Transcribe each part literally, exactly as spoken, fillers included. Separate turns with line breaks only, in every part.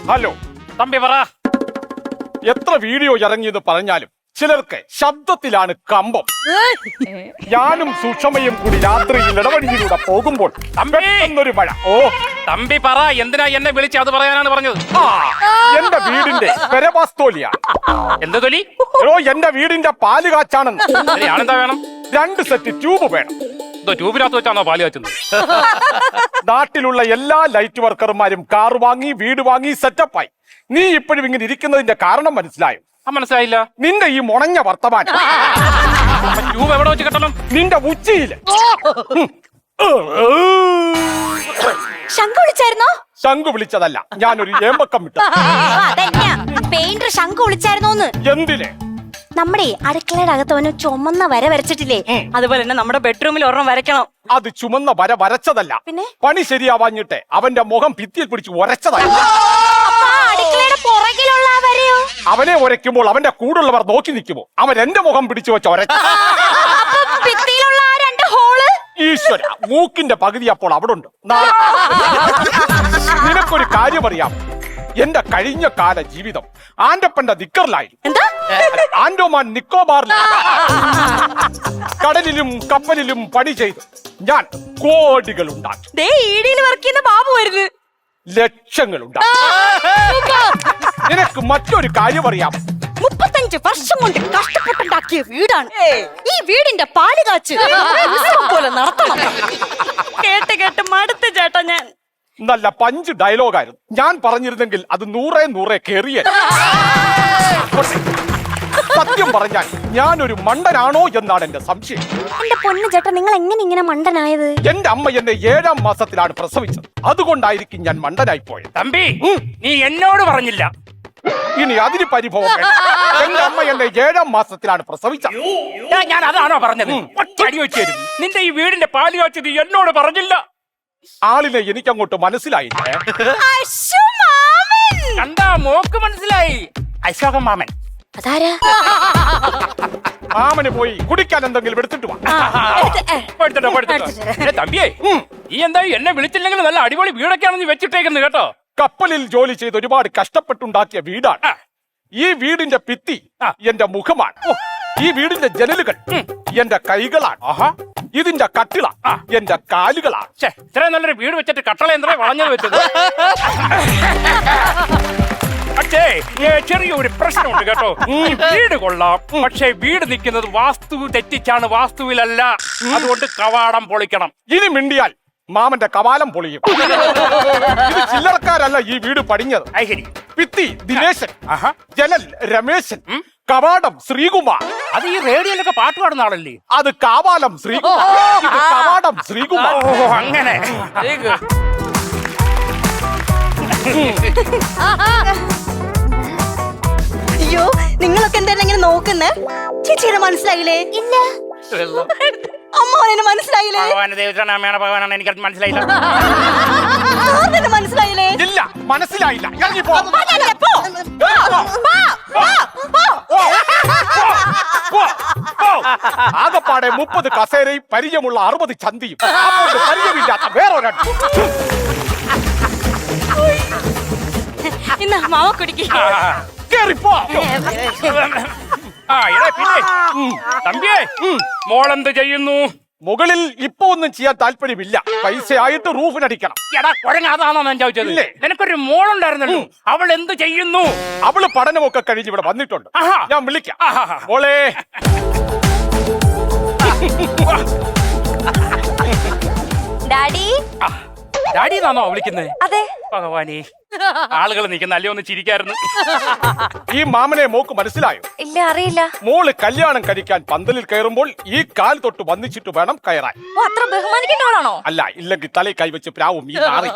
Hello
Thampi പറ.
എത്ര video ഇറങ്ങിയെന്ന് പറഞ്ഞാലും ചിലർക്ക് ശബ്ദത്തിലാണ് കമ്പം. ഞാനും സുഷമയും കൂടി രാത്രിയിൽ ഇടവഴിയിലൂടെ പോകുമ്പോൾ ഒരു മഴ. ഓ
തമ്പി പറ, എന്തിനാ എന്നെ വിളിച്ച് അത് പറയാനാണ് പറഞ്ഞത്?
ആ എന്റെ വീടിന്റെ പെരവാസ്തോലിയാണ്.
എന്ത് തൊലി?
ഓ എന്റെ വീടിന്റെ പാല് കാച്ചാണെന്ന്.
ആണെന്താ വേണം?
രണ്ട് സെറ്റ് ട്യൂബ് വേണം.
ട്യൂബിനകത്ത് വെച്ചാണോ പാല് കാച്ചുന്നത്?
നാട്ടിലുള്ള എല്ലാ ലൈറ്റ് വർക്കർമാരും കാർ വാങ്ങി വീട് വാങ്ങി സെറ്റപ്പായി. നീ ഇപ്പോഴും ഇങ്ങനെ ഇരിക്കുന്നതിന്റെ കാരണം മനസ്സിലായോ?
മനസ്സിലായില്ല.
നിന്റെ ഈ മുണഞ്ഞ വർത്തമാനം
ട്യൂബ് എവിടെ വെച്ച് കെട്ടണം?
നിന്റെ ഉച്ചയില്.
ശംഖു വിളിച്ചായിരുന്നോ?
ശംഖു വിളിച്ചതല്ല, ഞാനൊരു ഏമ്പക്കം വിട്ടു.
പെയിന്റർ ശംഖു വിളിച്ചായിരുന്നോന്ന്?
എന്തിന്?
നമ്മുടെ അടുക്കളയുടെ അകത്തവന് ചുമന്ന വര വരച്ചിട്ടില്ലേ, അതുപോലെ തന്നെ നമ്മുടെ ബെഡ്റൂമിൽ ഒരെണ്ണം വരയ്ക്കണം.
അത് ചുമന്ന വര വരച്ചതല്ല,
പിന്നെ
പണി ശരിയാവാഞ്ഞിട്ട് അവന്റെ മുഖം ഭിത്തിയിൽ പിടിച്ച് ഉരച്ചതല്ല.
അടുക്കളയുടെ പുറകിലുള്ള വരയോ?
അവനെ ഉരയ്ക്കുമ്പോൾ അവന്റെ കൂടുള്ളവർ നോക്കി നിൽക്കുമോ? അവൻ എന്റെ മുഖം പിടിച്ചു വെച്ച ഉരച്ച.
ഭിത്തിയിലുള്ള ആ രണ്ട് ഹോള്?
ഈശ്വര, മൂക്കിന്റെ പകുതി അപ്പോൾ അവിടെ ഉണ്ട്. നിനക്കൊരു കാര്യം അറിയാം, എന്റെ കഴിഞ്ഞ കാല ജീവിതം ആന്റപ്പന്റെ നിക്കറിലായിരുന്നു. ആൻഡോമാൻ നിക്കോബാറിൽ കടലിലും കപ്പലിലും പണി ചെയ്തു ഞാൻ കോടികൾ ഉണ്ടാക്കി. ലക്ഷങ്ങൾ ഉണ്ടാക്കി. നിനക്ക് മറ്റൊരു കാര്യം അറിയാം,
മുപ്പത്തഞ്ച് വർഷം കൊണ്ട് കഷ്ടപ്പെട്ടുണ്ടാക്കിയ വീടാണ് ഈ. വീടിന്റെ പാല് കാച്ച് പോലെ നടത്തണം. കേട്ട് കേട്ട് മടുത്ത് ചേട്ടാ. ഞാൻ
നല്ല പഞ്ച് ഡയലോഗായിരുന്നു. ഞാൻ പറഞ്ഞിരുന്നെങ്കിൽ അത് നൂറേ നൂറേ കേറിയ. സത്യം പറഞ്ഞാൽ ഞാനൊരു മണ്ടനാണോ എന്നാണ് എന്റെ സംശയം.
എന്റെ പൊന്നു ചേട്ടാ, നിങ്ങൾ എങ്ങനെ ഇങ്ങനെ മണ്ടനായത്?
എന്റെ അമ്മ എന്നെ ഏഴാം മാസത്തിലാണ് പ്രസവിച്ചത്. അതുകൊണ്ടായിരിക്കും ഞാൻ മണ്ടനായി പോയത്.
തമ്പി, നീ എന്നോട് പറഞ്ഞില്ല.
ഇനി അതിന് പരിഭവം വേണ്ട. എന്റെ അമ്മ എന്നെ ഏഴാം മാസത്തിലാണ് പ്രസവിച്ചത്.
ഞാൻ അതാണോ പറഞ്ഞത്? അടി വെച്ച് തരും. നിന്റെ ഈ വീടിന്റെ പാല് കാച്ചത് എന്നോട് പറഞ്ഞില്ല.
ആളിനെ എനിക്കങ്ങോട്ട് മനസ്സിലായില്ല.
കണ്ടാ മോക്ക് മനസ്സിലായി. അശോകൻ മാമൻ.
അതാരാ?
മാമന് പോയി കുടിക്കാൻ എന്തെങ്കിലും എടുത്തിട്ട് വാ.
തമ്പിയേ, ഈ എന്താ എന്നെ വിളിച്ചില്ലെങ്കിൽ നല്ല അടിപൊളി വീടൊക്കെയാണ് നീ വെച്ചിട്ടേക്കുന്നത് കേട്ടോ.
കപ്പലിൽ ജോലി ചെയ്ത് ഒരുപാട് കഷ്ടപ്പെട്ടുണ്ടാക്കിയ വീടാണ്. ഈ വീടിന്റെ ഭിത്തി എന്റെ മുഖമാണ്. ഈ വീടിന്റെ ജനലുകൾ എന്റെ കൈകളാണ്. ഇതിന്റെ കട്ടിള എന്റെ കാലുകളാണ്.
ഇത്രയും നല്ലൊരു വീട് വെച്ചിട്ട് കട്ടള എന്താ വളഞ്ഞത് വെച്ചത്? പക്ഷേ ചെറിയൊരു പ്രശ്നമുണ്ട് കേട്ടോ. വീട് കൊള്ളാം, പക്ഷേ വീട് നിൽക്കുന്നത് വാസ്തു തെറ്റിച്ചാണ്, വാസ്തുവിലല്ല. അതുകൊണ്ട് കവാടം പൊളിക്കണം.
ഇനി മിണ്ടിയാൽ മാമന്റെ കവാലം പൊളിയും. ഇത് ചില്ലറക്കാരല്ല ഈ വീട് പണിഞ്ഞത്. ഭിത്തി ദിനേശൻ, ജനൽ രമേശൻ, കവാടം ശ്രീകുമാർ.
അത് ഈ റേഡിയോയിലൊക്കെ പാട്ട് പാടുന്ന ആളല്ലേ?
അത് കാവാലം ശ്രീകുമാർ, ഇത് കവാടം ശ്രീകുമാർ.
ഓ അങ്ങനെ.
അയ്യോ, നിങ്ങളൊക്കെ എന്തായാലും ഇങ്ങനെ നോക്കുന്നേ? ചേച്ചിയെ മനസ്സിലായില്ലേ? ഇല്ല. അമ്മാവനെ മനസ്സിലായില്ലേ?
ഭഗവാനാണ്, എനിക്ക് മനസ്സിലായില്ല.
മനസ്സിലായില്ലേ?
ഇല്ല, മനസ്സിലായില്ല. ഇറങ്ങിപ്പോ. ആകപ്പാടെ മുപ്പത് കസേരയും പരിചയമുള്ള അറുപത് ചന്തിയും പരിചയമില്ലാത്ത വേറൊരു.
ഇന്ന് മാവ കുടിക്ക്.
കേറിപ്പോ.
തമ്പിയേ, മോളെന്ത് ചെയ്യുന്നു?
മുകളിൽ ഇപ്പൊ ഒന്നും ചെയ്യാൻ താല്പര്യമില്ല. പൈസ ആയിട്ട് റൂഫിനടിക്കണം.
എടാ കുഴങ്ങ, അതാണോ ഞാൻ ചോദിച്ചത്? നിനക്കൊരു മോളുണ്ടായിരുന്നല്ലോ, അവൾ എന്ത് ചെയ്യുന്നു?
അവള് പഠനമൊക്കെ കഴിഞ്ഞ് ഇവിടെ വന്നിട്ടുണ്ട്. ഞാൻ വിളിക്കാം. മോളെ.
ഡാഡി.
ഡാഡി എന്നാണോ വിളിക്കുന്നത്?
അതെ.
ഭഗവാനേ, ആളുകൾ നിൽക്കുന്ന അല്ലേ ഒന്ന് ചിരിക്കായിരുന്നു.
ഈ മാമനെ മോക്ക് മനസ്സിലായോ?
ഇല്ല, അറിയില്ല.
മോള് കല്യാണം കഴിക്കാൻ പന്തലിൽ കയറുമ്പോൾ ഈ കാൽ തൊട്ട് വന്നിച്ചിട്ട് വേണം കയറാൻ.
അത്ര ബഹുമാനിക്കേണ്ടവളാണോ?
അല്ല, ഇല്ലെങ്കിൽ തലയിൽ കൈവച്ച് പ്രാവും ഈ നാറി.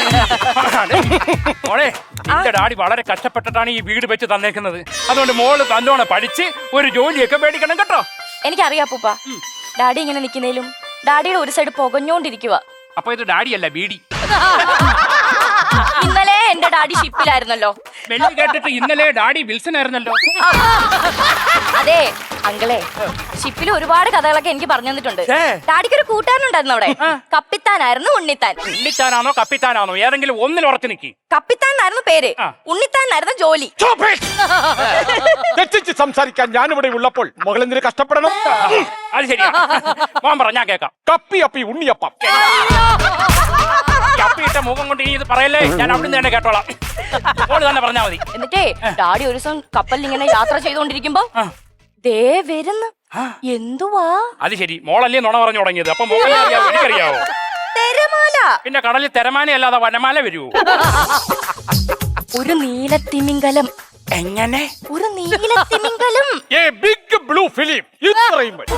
മോളെ, എന്റെ ഡാഡി വളരെ കഷ്ടപ്പെട്ടിട്ടാണ് ഈ വീട് വെച്ച് തന്നേക്കുന്നത്. അതുകൊണ്ട് മോള് തന്നോണം പഠിച്ച് ഒരു ജോലിയൊക്കെ മേടിക്കണം കേട്ടോ.
എനിക്കറിയാം പൂപ്പ. ഡാഡി ഇങ്ങനെ നിൽക്കുന്നതിലും ഡാഡിയുടെ ഒരു സൈഡ് പുകഞ്ഞോണ്ടിരിക്കുക.
അപ്പൊ ഇത് ഡാഡിയല്ല, ബീഡി.
ഇന്നലെ എന്റെ ഡാഡി ഷിപ്പിലായിരുന്നല്ലോ.
വെള്ളി കേട്ടിട്ട് ഇന്നലെ ഡാഡി വിൽസൺ ആയിരുന്നല്ലോ.
അതെ, അങ്കിളെ ഷിപ്പിൽ ഒരുപാട് കഥകളൊക്കെ എനിക്ക് പറഞ്ഞു തന്നിട്ടുണ്ട്.
ഏ.
ഡാഡിക്ക് ഒരു കൂട്ടാനുണ്ടായിരുന്നു അവിടെ. കപ്പിത്താനായിരുന്നു ഉണ്ണിത്താൻ.
ഉണ്ണിത്താനാണോ കപ്പിത്താനാണോ ഏതെങ്കിലും ഒന്നിൽ ഉറച്ചു നിക്കി.
കപ്പിത്താനായിരുന്നു പേര്,
ആ.
ഉണ്ണിത്താനായിരുന്നു ജോലി.
തെറ്റിച്ച് സംസാരിക്കാൻ ഞാനിവിടെ ഉള്ളപ്പോൾ മകളെന്തിന് കഷ്ടപ്പെടണം?
അത് ശരിയാ. മോൻ പറ, ഞാൻ കേക്കാം.
കപ്പി അപ്പി ഉണ്ണിയപ്പം.
കപ്പിയിട്ട മുഖം കൊണ്ട് ഇനി ഇത് പറയല്ലേ, ഞാൻ അവിടുന്ന് തന്നെ കേട്ടോളാം. ഓള് തന്നെ പറഞ്ഞാ മതി.
എന്നിട്ടേ ഡാഡി ഒരു ദിവസം കപ്പലിൽ ഇങ്ങനെ യാത്ര ചെയ്തോണ്ടിരിക്കുമ്പോ ദേ വരുന്നു. എന്തുവാ?
അത് ശരി, മോളല്ലേ നുണ പറഞ്ഞു തുടങ്ങിയത്. അപ്പൊ മോളെ അറിയാവോ? എനിക്കറിയാവോ?
തിരമാല.
പിന്നെ കടലിൽ തിരമാല അല്ലാതെ വനമാല വരുവോ?
ഒരു നീലത്തിമിംഗലം.
എങ്ങനെ?
ഒരു നീലത്തിമിംഗലം.
ഏ ബിഗ് ബ്ലൂ ഫിലിം. ഇത്രയും മതി.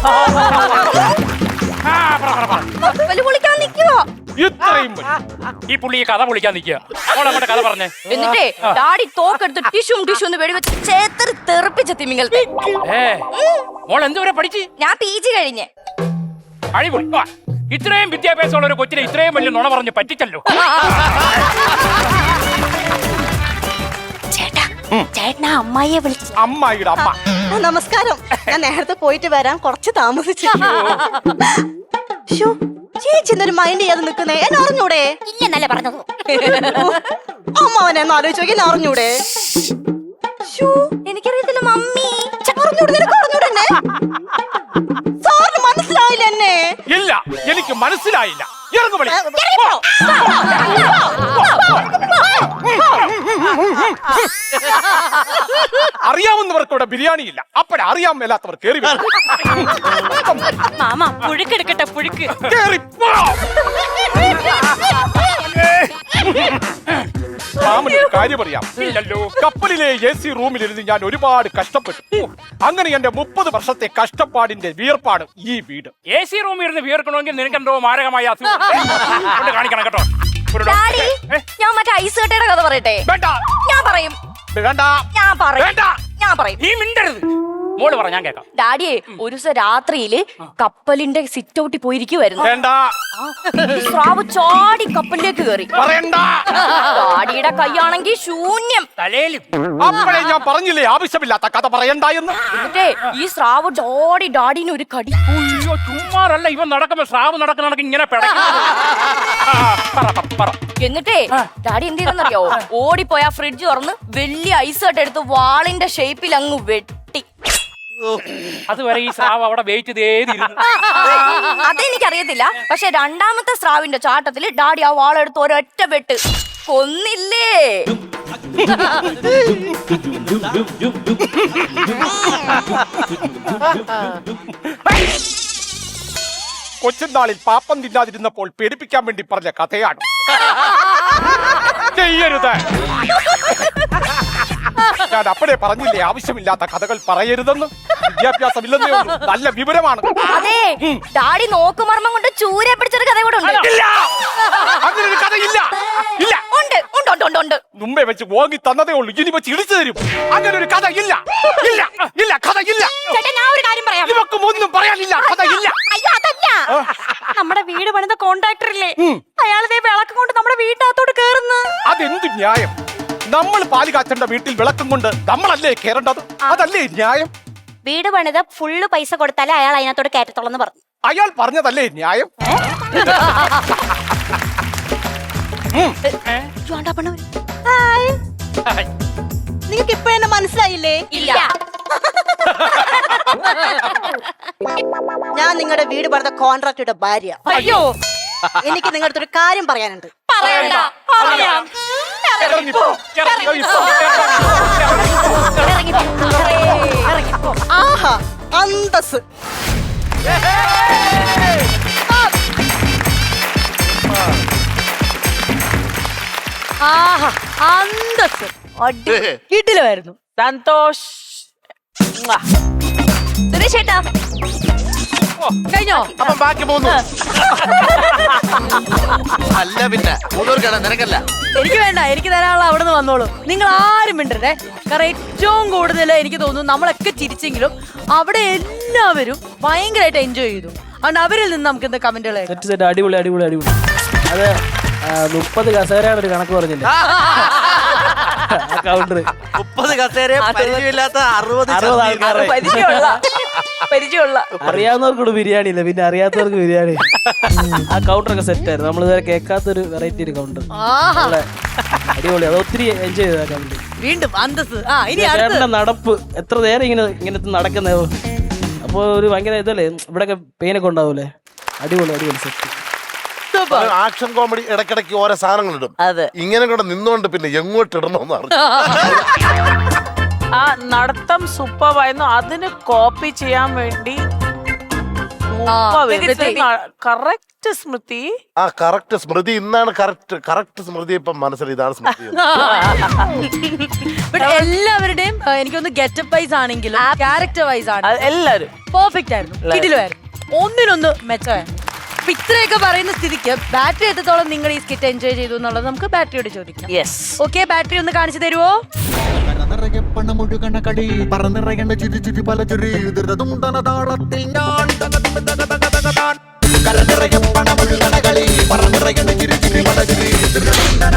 ആ, പറ, പറ, പറ.
കപ്പല് പൊളിക്കാൻ നിക്കുവോ?
ഇത്രയും മതി.
ഈ പുള്ളി ഈ കഥ പൊളിക്കാൻ നിൽക്കുക. മോളങ്ങോട്ട് കഥ പറഞ്ഞേ.
എന്നിട്ടേ ഡാഡി തോക്കെടുത്ത് ടിഷ്യൂം ടിഷ്യൂ എന്ന് വെടിവെച്ച് ചേത്തറി തെറിപ്പിച്ച തിമിംഗലത്തെ.
ഏ മോൾ എന്തുവരെ പഠിച്ച്?
ഞാൻ പി ജി കഴിഞ്ഞ്.
അടിപൊളി. വാ. ഇത്രയും വിദ്യാഭ്യാസമുള്ള ഒരു കൊച്ചിനെ ഇത്രയും വലിയ നുണ പറഞ്ഞ് പറ്റിച്ചല്ലോ.
ചേട്ടാ ചേട്ടനാ അമ്മായിയെ വിളിച്ചു.
അമ്മായിയുടെ അമ്മ.
ആ, നമസ്കാരം. ഞാൻ നേരത്തെ പോയിട്ട് വരാൻ കുറച്ച് താമസിച്ചു. ശ്ശോ, ചേച്ചി എന്തൊരു മൈൻഡ് ചെയ്യാതെ നിൽക്കുന്നേ? എന്നെ അറിഞ്ഞൂടെ?
ഇല്ലെന്നല്ലേ പറഞ്ഞത്.
അമ്മാവനെ ഒന്ന് ആലോചിച്ച് നോക്കി, എന്നെ അറിഞ്ഞൂടെ? ശ്ശോ,
എനിക്കറിയത്തില്ല മമ്മി.
അറിഞ്ഞൂടെ? നിനക്ക് അറിഞ്ഞൂടെ എന്നെ? സാറിന് മനസ്സിലായില്ല എന്നെ?
ഇല്ല, എനിക്ക് മനസ്സിലായില്ല. ഇറങ്ങു വിളി. അറിയാവുന്നവർക്ക് ഇവിടെ ബിരിയാണി ഇല്ല. അപ്പഴ അറിയാൻ മേലാത്തവർ കേറി വരും.
മാമ പുഴുക്കെടുക്കട്ടെ, പുഴുക്ക്.
കേറി പോ. മാമനൊരു കാര്യം അറിയാം.
ഇല്ലല്ലോ.
കപ്പലിലെ എ സി റൂമിലിരുന്ന് ഞാൻ ഒരുപാട് കഷ്ടപ്പെട്ടു. അങ്ങനെ എന്റെ മുപ്പത് വർഷത്തെ കഷ്ടപ്പാടിന്റെ വിയർപ്പാണ് ഈ വീട്.
എ സി റൂമിൽ ഇരുന്ന് വിയർക്കണമെങ്കിൽ നിനക്കെന്തോ മാരകമായ അസുഖം കൊണ്ട് കാണിക്കണം കേട്ടോ. ഒരു
ഡാഡി
ഡോക്ടറെ- ഏ?
ഞാൻ മറ്റേ ഐസ് കട്ടയുടെ കഥ പറയട്ടെ?
വേണ്ട
ഞാൻ പറയും.
വേണ്ട
ഞാൻ പറയും.
വേണ്ട.
ഞാൻ പറയും.
നീ മിണ്ടരുത്. മോള് പറ, ഞാൻ കേക്കാം.
ഡാഡിയെ ഒരു ദിവസം രാത്രിയില് കപ്പലിന്റെ സിറ്റ് ഔട്ടിൽ പോയിരിക്കുവായിരുന്നു.
വേണ്ട
സ്രാവ് ചാടി കപ്പലിലേക്ക് കയറി.
പറയണ്ട.
ഡാഡിയുടെ കൈയാണെങ്കിൽ ശൂന്യം.
തലയിലും
അപ്പോഴേ ഞാൻ പറഞ്ഞില്ലേ ആവശ്യമില്ലാത്ത കഥ പറയണ്ട എന്ന്.
എന്നിട്ടേ ഈ സ്രാവ് ഡാഡി ഡാഡിന് ഒരു കടി.
അയ്യോ, ചുമ്മാറല്ല ഇവൻ നടക്കുമ്പോ സ്രാവ് നടക്കുന്ന നടക്ക് ഇങ്ങനെ പിടയ്ക്കുന്നത്. ആ, പറ, പറ, പറ.
എന്നിട്ടേ ഡാഡി എന്ത് ചെയ്തെന്നറിയോ? ഓടിപ്പോയി ആ ഫ്രിഡ്ജ് തുറന്ന് വലിയ ഐസ് കട്ട് എടുത്ത് വാളിന്റെ ഷേപ്പിൽ അങ്ങ് വെട്ടി.
അതുവരെ ഈ സ്രാവ് അവിടെ വെയിറ്റ് ചെയ്തിരുന്നു.
അതെനിക്കറിയത്തില്ല. പക്ഷെ രണ്ടാമത്തെ സ്രാവിന്റെ ചാട്ടത്തില് ഡാഡി ആ വാളെടുത്ത് ഒരൊറ്റ വെട്ട് കൊന്നില്ലേ.
കൊച്ചുനാളിൽ പാപ്പം തിന്നാതിരുന്നപ്പോൾ പേടിപ്പിക്കാൻ വേണ്ടി പറഞ്ഞ കഥയാണ്. ചെയ്യരുത്. ഞാൻ അപ്പഴേ പറഞ്ഞില്ലേ ആവശ്യമില്ലാത്ത കഥകൾ പറയരുതെന്ന്. വിദ്യാഭ്യാസമില്ലെന്നേ ഉള്ളൂ, നല്ല വിവരമാണ്.
അതെ, ഡാഡി നോക്കുമർമ്മം കൊണ്ട് ചൂരെ പിടിച്ചൊരു കഥ കൂടെ ഉണ്ട്.
ഇല്ല, അങ്ങനെ ഒരു കഥയില്ല. ഇല്ല,
ഉണ്ട് ഉണ്ട് ഉണ്ട് ഉണ്ട് ഉണ്ട്.
മുമ്പേ വെച്ച് വാങ്ങി തന്നതേ ഉള്ളൂ, ഇനി വെച്ച് ഇടിച്ചു തരും. അങ്ങനെ ഒരു കഥ ഇല്ല. ഇല്ല ഇല്ല, കഥ ഇല്ല.
ചേട്ടാ ഞാൻ ഒരു കാര്യം പറയാം.
ഇവക്കും ഒന്നും പറയാനില്ല, കഥ ഇല്ല.
അയ്യോ അതല്ല, നമ്മുടെ വീട് പണിത കോൺട്രാക്ടർ ഇല്ലേ, അയാളെ വിളക്കം കൊണ്ട് നമ്മുടെ വീട്ടിനകത്തോട്ട് കേറുന്നു.
അതെന്ത് ന്യായം? നമ്മൾ പാല് കാച്ചേണ്ട വീട്ടിൽ വിളക്കം കൊണ്ട് നമ്മളല്ലേ കേറേണ്ടത്? അതല്ലേ ന്യായം?
വീട് പണിത ഫുള്ള് പൈസ കൊടുത്താലേ അയാൾ അതിനകത്തോട് കയറ്റത്തോളെന്ന് പറഞ്ഞു.
അയാൾ പറഞ്ഞതല്ലേ ന്യായം?
നിങ്ങൾക്ക് ഇപ്പൊ എന്നെ മനസ്സിലായില്ലേ?
ഇല്ല.
ഞാൻ നിങ്ങളുടെ വീട് പണിത കോൺട്രാക്ടറുടെ ഭാര്യ.
അയ്യോ
എനിക്ക് നിങ്ങളുടെ അടുത്തൊരു കാര്യം പറയാനുണ്ട്.
പറയണ്ട. പറയാം.
ഇറങ്ങിപ്പോ, ഇറങ്ങിപ്പോ.
ഇറങ്ങിപ്പോ. ഇറങ്ങിപ്പോ.
ആഹാ, അന്തസ്.
ആഹാ അന്തസ്.
വീട്ടിലായിരുന്നു. സന്തോഷ്.
സുരേഷ് ചേട്ടാ
കഴിഞ്ഞോ?
അപ്പം ബാക്കി പോന്നു. അല്ല പിന്നെ മൂന്നൂർക്കാണ്, നിനക്കല്ല.
എനിക്ക് വേണ്ട, എനിക്ക് തരാനുള്ള അവിടെ നിന്ന് വന്നോളൂ. നിങ്ങൾ ആരും മിണ്ടരുതേ. കാരണം ഏറ്റവും കൂടുതൽ എനിക്ക് തോന്നുന്നു നമ്മളൊക്കെ ചിരിച്ചെങ്കിലും അവിടെ എല്ലാവരും ഭയങ്കരമായിട്ട് എൻജോയ് ചെയ്തു. അതുകൊണ്ട് അവരിൽ നിന്ന് നമുക്ക് എന്താ കമന്റുകൾ
സെറ്റ് സെറ്റ് അടിപൊളി അടിപൊളി അടിപൊളി. അത് മുപ്പത് കസേരയാണ് ഒരു കണക്ക് പറഞ്ഞില്ലേ കൗണ്ടർ.
മുപ്പത് കസേര പരിചയമില്ലാത്ത അറുപത്
അറുപത് ആൾക്കാരെ
പരിചയമുള്ള പരിചയമുള്ള
അറിയാവുന്നവർക്കൂടെ ബിരിയാണി ഇല്ല, പിന്നെ അറിയാത്തവർക്ക് ബിരിയാണി. ആ കൗണ്ടറൊക്കെ സെറ്റ് ആയിരുന്നു. നമ്മൾ ഇതുവരെ കേൾക്കാത്തൊരു വെറൈറ്റി ഒരു കൗണ്ടർ.
ആഹാ.
അടിപൊളി. അത് ഒത്തിരി എൻജോയ് ചെയ്ത കൗണ്ടർ.
വീണ്ടും അന്തസ്. ആ ഇനി അടുത്ത
ചേട്ടന്റെ നടപ്പ് എത്ര നേരം ഇങ്ങനെ ഇങ്ങനത്തെ നടക്കുന്നേ. അപ്പൊ ഒരു ഭയങ്കര ഇതല്ലേ, ഇവിടെയൊക്കെ പെയിനൊക്കെ ഉണ്ടാവൂലേ. അടിപൊളി അടിപൊളി സെറ്റ്.
സൂപ്പർ.
ആക്ഷൻ കോമഡി ഇടയ്ക്കിടയ്ക്ക് ഓരോ സാധനങ്ങൾ ഇടും.
അതെ.
ഇങ്ങനെ കൂടെ നിന്നുകൊണ്ട് പിന്നെ എങ്ങോട്ട് ഇടണമെന്ന് അറിഞ്ഞു.
ആ നടത്തം സൂപ്പറായിരുന്നു. അതിന് കോപ്പി ചെയ്യാൻ വേണ്ടി കറക്റ്റ് സ്മൃതി.
ആ കറക്റ്റ് സ്മൃതി ഇന്നാണ് കറക്റ്റ് കറക്റ്റ് സ്മൃതി ഇപ്പം മനസ്സിൽ ഇതാണ് സ്മൃതി.
But എല്ലാവരുടെയും ആ, എനിക്കൊന്ന് ഗെറ്റപ്പ് വൈസ് ആണെങ്കിലും ക്യാരക്ടർ വൈസ് ആണ്
അത് എല്ലാരും
പെർഫെക്റ്റ് ആയിരുന്നു. കിടിലുമായിരുന്നു. ഒന്നിനൊന്ന് മെച്ചമായിരുന്നു. അപ്പൊ ഇത്രയൊക്കെ പറയുന്ന സ്ഥിതിക്ക് ബാറ്ററി എത്രത്തോളം നിങ്ങൾ ഈ സ്കിറ്റ് എൻജോയ് ചെയ്തു എന്നുള്ളത് നമുക്ക് ബാറ്ററിയോട് ചോദിക്കാം.
യെസ്.
ഓക്കെ, ബാറ്ററി ഒന്ന് കാണിച്ചു തരുമോ?
നിറയെ പണമൊഴുകണ കളി പറന്നിറയേണ്ട ചുരി ചുരി പല ചുരി ദുരിതതുണ്ടന താളത്തിൽ ഞാൻ കലനിറയെ പണമൊഴുകണ കളി പറന്നിറയേണ്ട ചുരി ചുരി പല ചുരി ദുരിതതുണ്ടന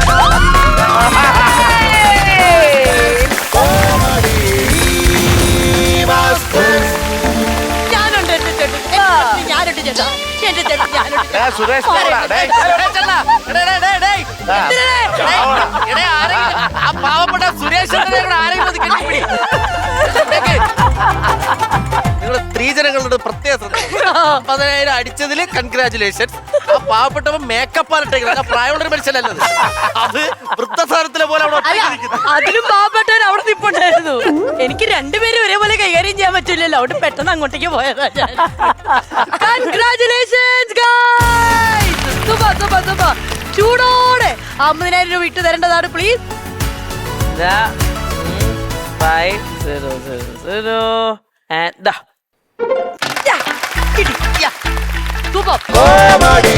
ഞാനുണ്ട് എന്റെ ചേട്ടൻ. ഞാനുണ്ട് ചേട്ടാ. എന്റെ ചേട്ടൻ ഞാനുണ്ട്.
ഏ, സുരേഷ് പോടാ, ഡേയ്. ആ പാവപ്പെട്ട സുരേഷ്
നിങ്ങളുടെ സ്ത്രീജനങ്ങളുടെ പ്രത്യേക ശ്രദ്ധ. അമ്പതിനായിരം അടിച്ചതില് കൺഗ്രാചുലേഷൻ. ആ പാവപ്പെട്ടവൻ മേക്കപ്പ് ആയിട്ടേക്കുന്നത് പ്രായമുള്ള ഒരു മനുഷ്യനല്ലത്. അത് വൃദ്ധസാരത്തിലെ പോലെ അവിടെ
അല്ല,
ഒറ്റയ്ക്ക് നിൽക്കുന്നു.
അതിലും പാവപ്പെട്ടവൻ അവിടെ നിൽപ്പുണ്ടായിരുന്നു. എനിക്ക് രണ്ടുപേരും ഒരേപോലെ കൈകാര്യം ചെയ്യാൻ പറ്റില്ലല്ലോ. അവിടെ പെട്ടെന്ന് അങ്ങോട്ടേക്ക് പോയതാ ഞാൻ. Congratulations, guys. Super, super, super. ചൂടോടെ അമ്പതിനായിരം രൂപ ഇട്ട് തരേണ്ടതാണ് please.
Five zero zero zero
super.
Comedy